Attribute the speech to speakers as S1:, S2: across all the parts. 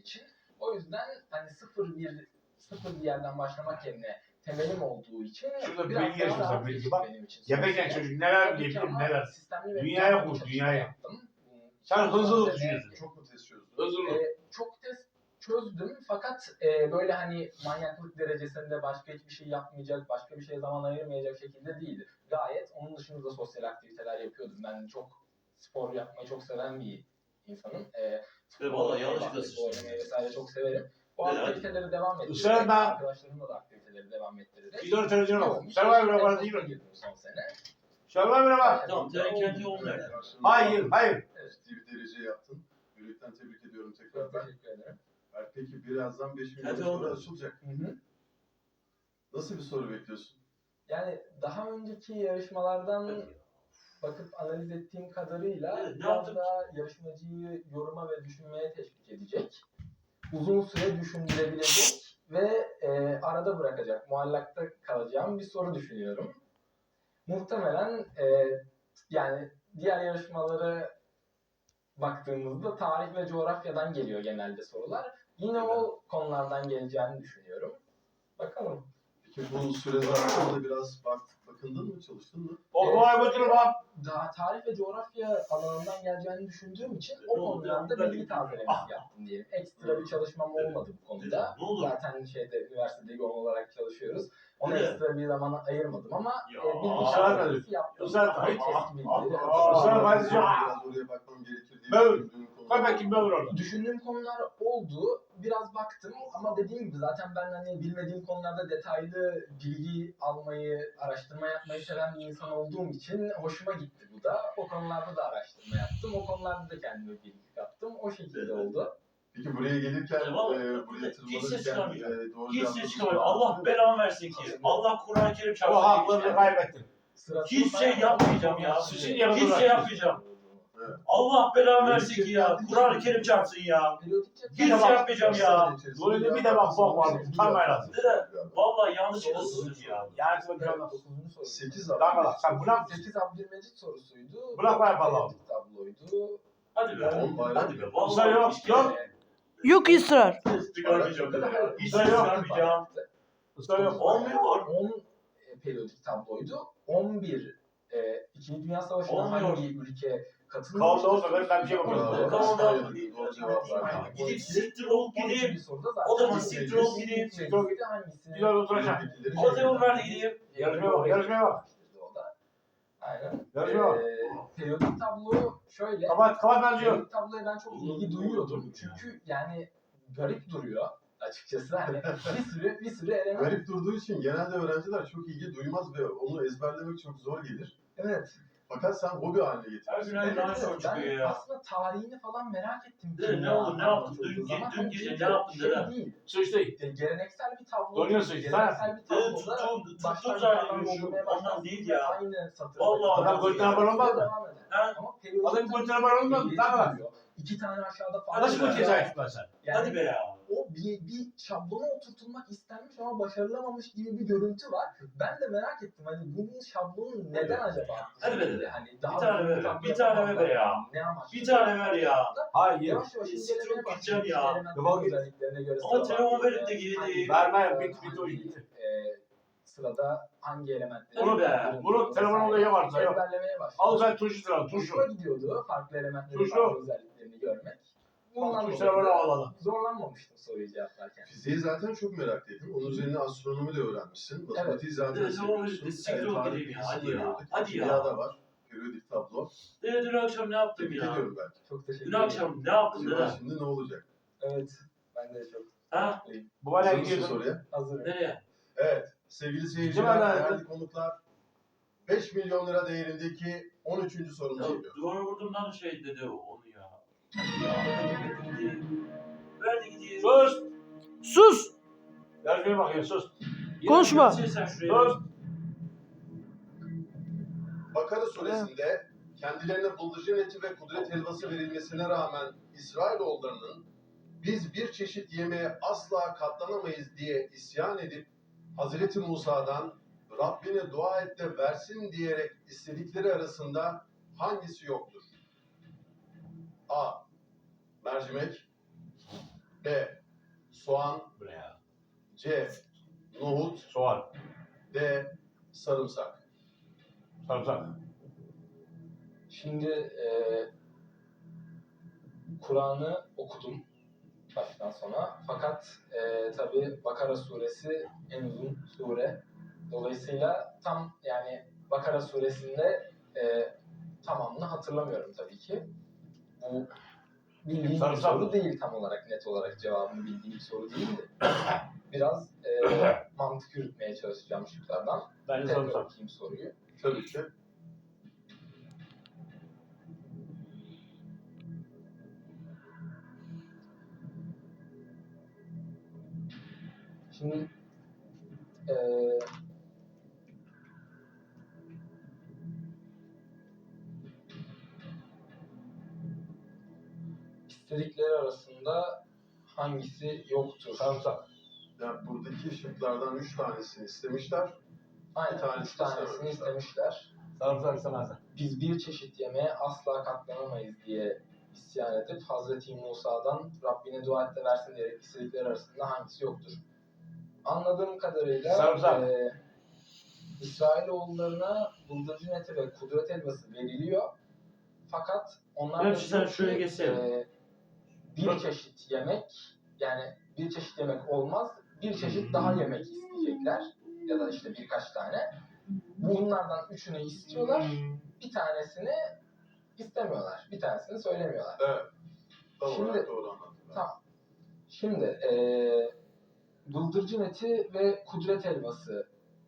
S1: için. O yüzden hani sıfır bir yerden başlamak yerine temelim olduğu için
S2: şurada
S1: biraz
S2: bilgi yaşıyorsun,
S1: daha rahat
S2: bilgi
S1: geçti
S2: bak.
S1: benim için.
S2: Yapacak çocuk neler bilebilir, neler.
S1: Sistemli ve
S2: Dünyaya
S1: planlı bir
S2: koş,
S1: çalışma
S2: dünyaya.
S1: yaptım.
S2: Sen
S1: Son
S2: hızlı
S1: sene
S2: düşünüyorsun.
S3: Çok mu test çözdün?
S2: Hızlı.
S1: çok test çözdüm fakat böyle hani manyaklık derecesinde başka hiçbir şey yapmayacak, başka bir şeye zaman ayırmayacak şekilde değildi. Gayet onun dışında da sosyal aktiviteler yapıyordum. Ben çok spor yapmayı çok seven bir insanım.
S4: Vallahi yanlışlıkla
S1: basketbol
S4: sıçtım.
S1: oynamayı vesaire çok severim. Bu
S4: Evet.
S1: aktiviteleri devam ettirerek,
S2: Israrla-
S1: arkadaşlarımla da aktiviteleri devam ettirerek.
S2: Bir televizyon al.
S1: yoğun bir
S2: Survivor'a
S1: çalışma
S2: var
S1: temposuna
S2: değil mi?
S1: girdim son sene.
S2: Survivor'a bak.
S4: Tamam, sen kendi yolun nerede?
S2: Hayır.
S3: Ciddi bir derece yaptın. Yürekten tebrik ediyorum
S1: Çok
S3: tekrar.
S1: teşekkür ederim.
S3: Peki birazdan 5 milyon
S4: Hadi
S3: soru
S4: oğlum.
S3: açılacak.
S1: Hı.
S3: Nasıl bir soru bekliyorsun?
S1: Yani daha önceki yarışmalardan bakıp analiz ettiğim kadarıyla
S4: Evet, ne
S1: biraz
S4: yaptın?
S1: daha yarışmacıyı yoruma ve düşünmeye teşvik edecek. Uzun süre düşündürebilecek ve arada bırakacak, muallakta kalacağım bir soru düşünüyorum. Muhtemelen yani diğer yarışmalara baktığımızda tarih ve coğrafyadan geliyor genelde sorular. Yine o konulardan geleceğini düşünüyorum. Bakalım.
S3: Peki bu süre zarfında biraz bakındın mı, çalıştın mı?
S2: O vay götürür bak.
S1: Daha tarih ve coğrafya alanından geleceğini düşündüğüm için o
S4: Ne oldu?
S1: konularda
S4: Ben-
S1: bilgi tazelemesi yaptım diyelim. Ekstra bir çalışmam olmadı bu konuda.
S4: Ne oldu?
S1: Zaten üniversitede yoğun olarak çalışıyoruz. Ona
S4: Evet.
S1: ekstra bir zaman ayırmadım ama
S4: Ya,
S1: bilgi
S2: ısrar
S1: tazelemesi yaptım.
S2: Israr
S1: Daha
S2: etme.
S1: eski bilgileri
S2: Israr
S1: hatırlıyorum.
S2: etme.
S3: Biraz oraya bakmam gerekir diye
S2: Böl.
S3: düşündüğüm konu.
S2: Koy bakayım ben orada.
S1: Düşündüğüm konular oldu. Biraz baktım ama dediğim gibi zaten ben hani bilmediğim konularda detaylı bilgi almayı, araştırma yapmayı seven bir insan olduğum için hoşuma gitti bu da. O konularda da araştırma yaptım. O konularda da kendime bilgi kattım. O şekilde oldu.
S3: Peki buraya gelirken,
S4: Vallahi
S3: buraya
S4: hiç ses
S3: tırmanırken
S4: çıkarmayacağım.
S3: doğru
S4: Hiç
S3: cevap
S4: ses çıkarmıyor. Allah belamı versin ki. Allah Kur'an-ı Kerim
S2: O
S4: çarpsın.
S2: haklarını kaybettin.
S1: Sırasını
S4: Hiç şey yapmayacağım ya.
S2: Sizin yanınızda
S4: Hiç şey yapmayacağım.
S3: Evet.
S4: Allah belamı versin ki ya. Kur'an-ı Kerim çarpsın ya. Hiç şey yapmayacağım ya.
S2: Böyle bir de bak bak. Utanmayın lazım.
S4: Vallahi yanlışlıkla sıçtım ya.
S2: Yani sana bir şey olmaz.
S3: 8
S2: Daha kadar. Sen bırak.
S1: 8 Abdülmecit sorusuydu.
S2: Bırak ben yapalım.
S1: Periyodik tabloydu.
S4: Hadi be.
S3: On bayram.
S4: Hadi be.
S2: Israr
S4: Vallahi
S2: yok,
S4: hiç kere
S2: yok.
S5: Yok ısrar.
S4: ses çıkarmayacağım dedi ya. Hiç ses
S2: Israr yok.
S4: çıkarmayacağım.
S2: Israr yok.
S4: Olmuyor var.
S1: 10 periyodik tabloydu. 11 İkinci Dünya Savaşı'na
S4: Olmuyor.
S1: hangi ülke katılmıştı?
S2: Kavga olsa ben bir şey bakıyorum.
S3: Doğru cevap verdim.
S4: Gidip siktir olup
S1: 12.
S4: gideyim.
S1: soruda zaten
S4: O da
S1: hangisi
S4: siktir olup gideyim.
S1: hangisini
S2: Güzel oturacağım.
S4: O telefon verdi gideyim.
S2: Yarışmaya bak, yarışmaya bak.
S1: O da. Aynen.
S2: Yarışmaya bak.
S1: Periyodik tablo şöyle.
S2: Kapat ben diyorum.
S1: Periyodik tabloya ben çok ilgi duyuyordum. Çünkü yani garip duruyor açıkçası. Hani bir sürü element.
S3: Garip durduğu için genelde öğrenciler çok ilgi duymaz ve onu ezberlemek çok zor gelir.
S1: Evet.
S3: Fakat sen hobi haline
S4: Her gün
S3: getirmişsin.
S4: aynı daha çok
S1: Ben
S4: çıkıyor ya.
S1: aslında tarihini falan merak ettim.
S4: Dede, ne oldu, ne yaptın? Dün
S1: Hani
S4: gece
S1: çünkü
S4: ne yaptın
S1: şey
S4: dede?
S1: değil.
S2: Sıçtı.
S1: Geleneksel bir tablo.
S2: Donuyorsun işte,
S1: Geleneksel bir
S4: Dede
S1: tabloda
S4: tuttum
S1: baştan
S4: zaten
S1: yukarıdan
S4: şu
S1: doldurmaya
S4: ondan
S1: başlarsın
S4: değil
S1: ve
S4: ya.
S1: aynı satır.
S4: Vallahi
S2: Adam götüne var olmaz mı?
S4: Ha?
S1: Ama periyodik
S2: Adam
S1: tablo
S2: götüne var olmaz mı?
S1: belli
S2: Daha var.
S1: duruyor. İki tane aşağıda falan.
S4: Hadi
S2: Nasıl
S4: be.
S2: bu cezayı tutarsan?
S1: Yani
S4: Hadi be ya.
S1: o bir şablona oturtulmak istenmiş ama başarılamamış gibi bir görüntü var. Ben de merak ettim hani bunun şablonu neden acaba?
S4: Hadi be dede.
S1: Hani
S4: Bir tane
S1: büyük
S4: ver,
S1: tablo
S4: bir tane
S1: yapamazlar.
S4: ver ya.
S1: Ne amaçlı?
S4: Bir tane ver ya.
S2: Hayır.
S1: Yavaş yavaş
S4: Siktir
S1: incelemeye
S4: olup gideceğim
S1: başladım.
S4: ya.
S1: Elementlerin
S2: Defol git.
S1: özelliklerine göre
S4: Ama
S1: sıra
S4: telefon
S1: var.
S4: verip de gideyim.
S1: Hangi-
S2: Verme, bitti, o
S1: hangi,
S2: gitti.
S1: Sırada hangi elementleri
S4: Hadi be.
S2: Bunu telefon odaya varsa yok.
S1: ezberlemeye başladım.
S2: Al sen tuşu sıra, tuşu.
S1: Hoşuma gidiyordu farklı elementlerin
S2: Tuşlu.
S1: farklı özelliklerini görmek. Bundan
S2: Tuşlara böyle
S1: dolayı
S2: havalı.
S1: zorlanmamıştım soruyu cevaplarken.
S3: Fiziği zaten çok meraklıydım. Onun üzerine astronomi de öğrenmişsin. Matematiği zaten
S4: Evet, tamam,
S3: seviyorsun.
S4: siktir olup
S3: tarih
S4: gideyim ya,
S3: bilgisini
S4: hadi
S3: de
S4: ya,
S3: gördük.
S4: hadi
S3: Kimya
S4: ya.
S3: da var. Periyodik tablo.
S4: Dede dün akşam ne yaptım
S3: Tebrik
S4: ya?
S3: ediyorum belki.
S1: Çok teşekkür
S4: Dün
S1: ederim.
S4: akşam ne yaptın
S3: Şimdi,
S4: dede?
S3: şimdi ne olacak?
S1: Evet. Ben de çok
S4: Ha?
S1: mutluyum.
S2: Bu bana
S3: Hazır mısın
S2: gidiyordun.
S3: soruya?
S1: Hazırım.
S4: Nereye?
S3: Evet. Sevgili seyirciler,
S2: Değil mi lan?
S3: değerli konuklar. 5 milyon lira değerindeki 13. sorumuz
S4: Ya,
S3: geliyor.
S4: duvara vurduğumdan şey dedi onu ya. Hadi gideyim. Verdi gideyim.
S2: Sus.
S5: Sus.
S2: Yarışmaya bak ya sus.
S5: Konuşma.
S4: Sen şuraya.
S2: Sus.
S3: Bakara suresinde kendilerine bıldırcın eti ve kudret helvası verilmesine rağmen İsrailoğullarının biz bir çeşit yemeğe asla katlanamayız diye isyan edip Hazreti Musa'dan Rabbine dua et de versin diyerek istedikleri arasında hangisi yoktur? A. Mercimek. B. Soğan.
S2: Bu ne ya?
S3: C. Nohut.
S2: Soğan.
S3: D. Sarımsak.
S2: Sarımsak.
S1: Şimdi Kur'an'ı okudum baştan sona. Fakat tabii Bakara suresi en uzun sure. Dolayısıyla tam yani Bakara suresinde tamamını hatırlamıyorum tabii ki. Bu bildiğim bir
S2: Sarımsak
S1: soru
S2: mı?
S1: değil tam olarak, net olarak cevabını bildiğim bir soru değildi. Biraz mantık yürütmeye çalışacağım şıklardan.
S2: Bence
S1: Tekrar
S2: sarımsak.
S1: okuyayım soruyu.
S3: Tabii ki.
S1: Şimdi eee istedikleri arasında hangisi yoktur?
S2: Sarımsak.
S3: Yani buradaki şıklardan 3 tanesini istemişler.
S1: Aynen,
S3: bir tanesi
S1: 3 tanesini
S3: istememişler.
S1: istemişler.
S2: Sarımsak istemezler.
S1: Biz bir çeşit yemeğe asla katlanamayız diye isyan edip Hazreti Musa'dan Rabbine dua et de versin diyerek istedikleri arasında hangisi yoktur? Anladığım kadarıyla
S2: Sarımsak.
S1: İsrailoğullarına bıldırcın eti ve kudret elması veriliyor. Fakat onlar
S4: Ben
S1: da
S4: sen
S1: diyor
S4: şöyle
S1: ki,
S4: geçsene.
S1: bir çeşit yemek, yani bir çeşit yemek olmaz, bir çeşit daha yemek isteyecekler. Ya da işte birkaç tane. Bunlardan üçünü istiyorlar. Bir tanesini istemiyorlar. Bir tanesini söylemiyorlar.
S3: Evet. Tam
S1: Şimdi-
S3: olarak doğru anladım.
S1: Tamam. Şimdi bıldırcın eti ve kudret helvası.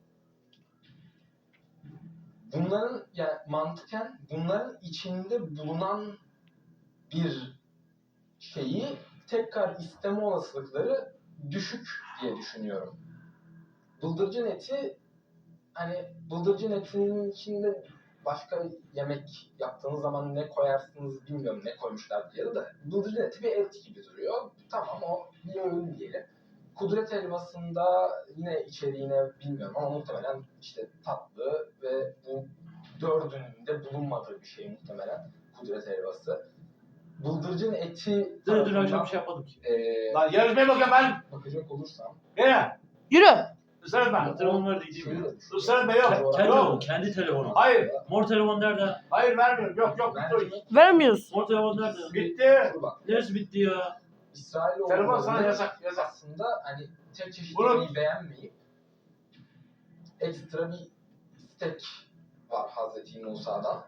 S1: Bunların yani mantıken bunların içinde bulunan bir şeyi tekrar isteme olasılıkları düşük diye düşünüyorum. Bıldırcın eti, hani bıldırcın etinin içinde başka yemek yaptığınız zaman ne koyarsınız bilmiyorum, ne koymuşlar diye de bıldırcın eti bir et gibi duruyor. Tamam, o bir öğün diyelim. Kudret helvasında yine içeriğine bilmiyorum ama muhtemelen işte tatlı ve bu dördünün de bulunmadığı bir şey muhtemelen kudret helvası. Bıldırcın eti
S4: Dün akşam bir şey yapmadım ki.
S2: Lan yarışmaya bakıyorum ben.
S1: bakacak olursam
S2: Gene.
S5: Yürü.
S2: Isırma.
S4: Telefon var diyeceğim
S1: şeyi
S4: ya.
S1: de düşünüyorum.
S2: Isırma yok.
S4: Kendi telefonu,
S2: Yok.
S4: kendi telefonu.
S2: Hayır.
S4: Mor telefon nerede?
S2: Hayır vermiyorum. Yok yok. Bitti o iş.
S1: Mercimek,
S5: Vermiyorsun.
S4: Mor telefon nerede?
S2: Bitti.
S1: dur bak.
S4: Neresi bitti ya?
S2: Telefon
S1: İsrailoğullarının
S2: sana yasak. Yasak.
S1: aslında hani tek çeşit
S2: Bunu-
S1: yemeği beğenmeyip ekstra bir istek var Hazreti Musa'dan.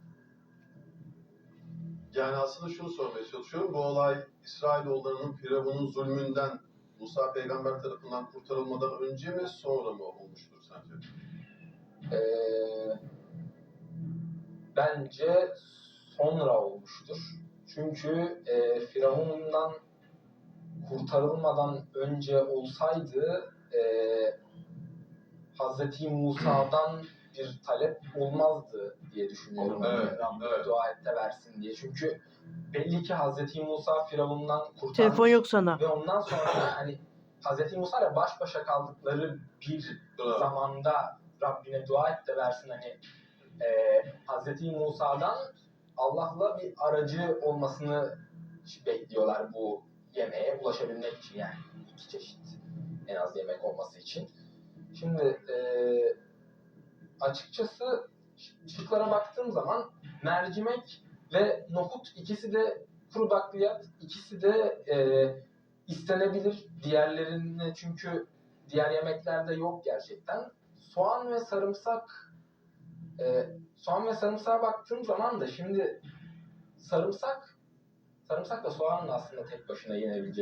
S3: Yani aslında şunu sormaya çalışıyorum. Bu olay İsrailoğullarının Firavun'un zulmünden Musa peygamber tarafından kurtarılmadan önce mi sonra mı olmuştur sence?
S1: Bence sonra olmuştur. Çünkü Firavun'dan kurtarılmadan önce olsaydı Hazreti Musa'dan bir talep olmazdı diye düşünüyorum.
S3: Evet,
S1: Rabbine
S3: evet.
S1: dua et de versin diye. Çünkü belli ki Hazreti Musa Firavun'dan kurtarmış.
S5: Telefon yok sana.
S1: Ve ondan sonra hani Hazreti Musa ile baş başa kaldıkları bir
S3: Bravo.
S1: zamanda Rabbine dua et de versin, hani Hazreti Musa'dan Allah'la bir aracı olmasını bekliyorlar bu yemeğe ulaşabilmek için, yani iki çeşit en az yemek olması için. Şimdi açıkçası şıklara baktığım zaman mercimek ve nohut, ikisi de kuru bakliyat, ikisi de istenebilir. Diğerlerini çünkü diğer yemeklerde yok gerçekten. Soğan ve sarımsağa baktığım zaman da şimdi sarımsakla soğanın aslında tek başına yenebilecek